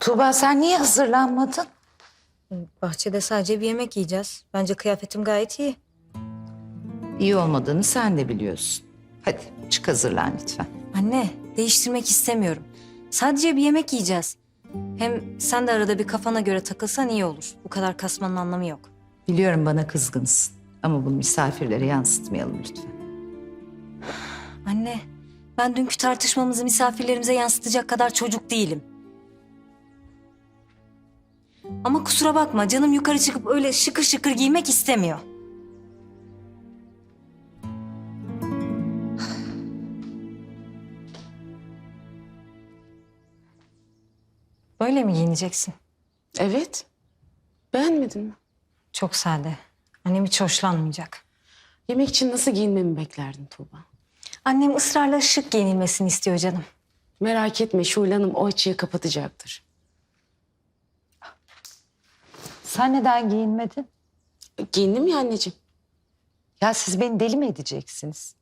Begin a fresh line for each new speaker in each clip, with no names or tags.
Tuğba sen niye hazırlanmadın?
Bahçede sadece bir yemek yiyeceğiz. Bence kıyafetim gayet iyi.
İyi olmadığını sen de biliyorsun. Hadi çık hazırlan lütfen.
Anne, değiştirmek istemiyorum. Sadece bir yemek yiyeceğiz. Hem sen de arada bir kafana göre takılsan iyi olur. Bu kadar kasmanın anlamı yok.
Biliyorum bana kızgınsın ama bunu misafirlere yansıtmayalım lütfen.
Anne, ben dünkü tartışmamızı misafirlerimize yansıtacak kadar çocuk değilim. Ama kusura bakma, canım yukarı çıkıp öyle şıkır şıkır giymek istemiyor. Böyle mi giyineceksin?
Evet. Beğenmedin mi?
Çok sade. Annem hiç hoşlanmayacak.
Yemek için nasıl giyinmemi beklerdin Tuğba?
Annem ısrarla şık giyinilmesini istiyor canım.
Merak etme Şule Hanım o açığı kapatacaktır.
Sen neden giyinmedin?
Giyindim ya anneciğim.
Ya siz beni deli mi edeceksiniz?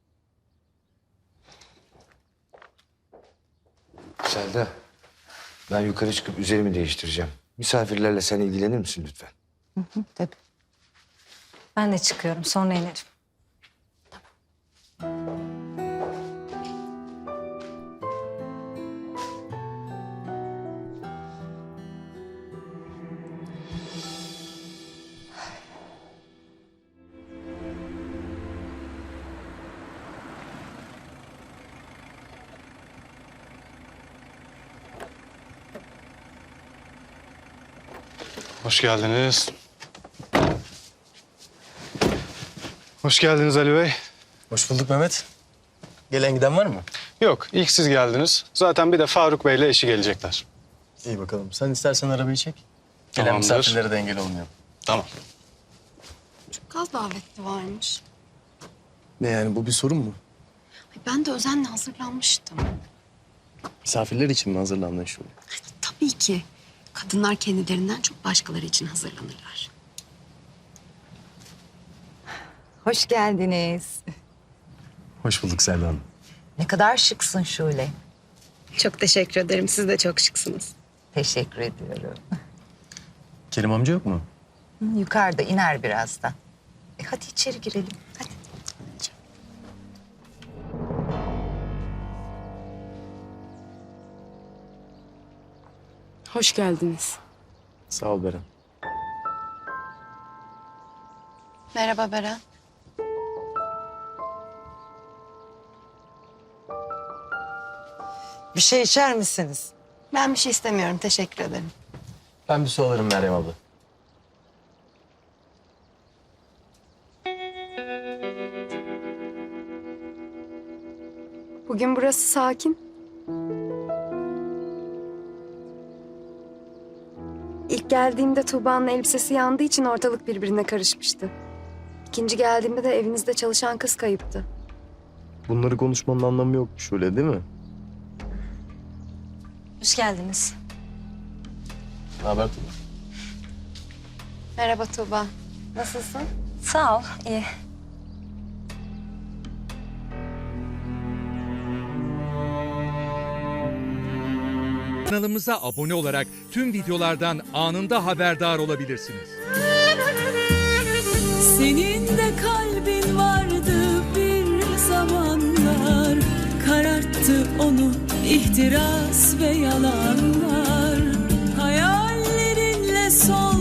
Selda, ben yukarı çıkıp üzerimi değiştireceğim. Misafirlerle sen ilgilenir misin lütfen?
Tabii.
Ben de çıkıyorum, sonra inerim.
Hoş geldiniz. Hoş geldiniz Ali Bey.
Hoş bulduk Mehmet. Gelen giden var mı?
Yok, ilk siz geldiniz. Zaten bir de Faruk Bey'le eşi gelecekler.
İyi bakalım. Sen istersen arabayı çek. Gelen
Tamamdır.
misafirlere de engel olmayalım.
Tamam.
Çok az davetli varmış.
Ne yani bu bir sorun mu?
Ay, ben de özenle hazırlanmıştım.
Misafirler için mi hazırlandın Şule?
Tabii ki. Kadınlar kendilerinden çok başkaları için hazırlanırlar.
Hoş geldiniz.
Hoş bulduk Selda Hanım.
Ne kadar şıksın Şule.
Çok teşekkür ederim. Siz de çok şıksınız.
Teşekkür ediyorum.
Kerim amca yok mu?
Yukarıda iner birazdan. Hadi içeri girelim. Hadi.
Hoş geldiniz.
Sağ ol Beren.
Merhaba Beren.
Bir şey içer misiniz?
Ben bir şey istemiyorum. Teşekkür ederim.
Ben bir su alırım Meryem abla.
Bugün burası sakin. İlk geldiğimde Tuğba'nın elbisesi yandığı için ortalık birbirine karışmıştı. İkinci geldiğimde de evinizde çalışan kız kayıptı.
Bunları konuşmanın anlamı yok Şule değil mi?
Hoş geldiniz.
Ne haber Tuğba?
Merhaba Tuğba. Nasılsın?
Sağ ol, iyi.
Kanalımıza abone olarak tüm videolardan anında haberdar olabilirsiniz.
Senin de kalbin vardı bir zamanlar, kararttı onu ihtiras ve yalanlar. Hayallerinle son